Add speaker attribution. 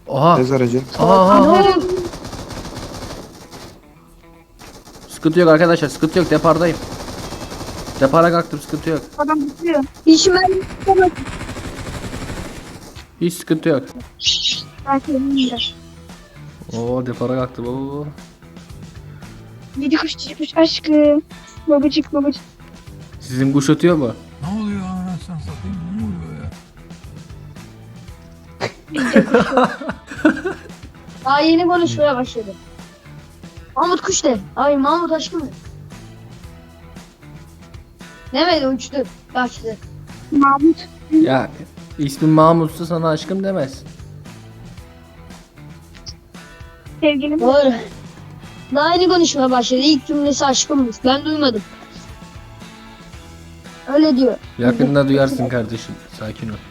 Speaker 1: Oha.
Speaker 2: Ez aracı.
Speaker 1: Aha. Sıkıntı yok arkadaşlar, sıkıntı yok, depardayım. Depara kalktım, sıkıntı yok.
Speaker 3: Adam bitiriyor.
Speaker 4: İşime
Speaker 1: Hiç sıkıntı yok.
Speaker 3: Belki önümde.
Speaker 1: Oo, depara kalktım. Oo.
Speaker 3: Yedi kuş çıkmış aşkım. Babacık babacık.
Speaker 1: Sizin kuş ötüyor mu?
Speaker 5: Ne oluyor anasını satayım? Ne oluyor ya?
Speaker 4: daha yeni konuşmaya başladı. Mahmut kuş de. Ay Mahmut aşkım. Demedi uçtu. Kaçtı.
Speaker 3: Mahmut.
Speaker 1: Ya ismin Mahmut'sa sana aşkım demez.
Speaker 3: Sevgilim.
Speaker 4: Doğru. Daha yeni konuşmaya başladı. İlk cümlesi aşkımmış. Ben duymadım. Öyle diyor.
Speaker 1: Yakında duyarsın kardeşim. Sakin ol.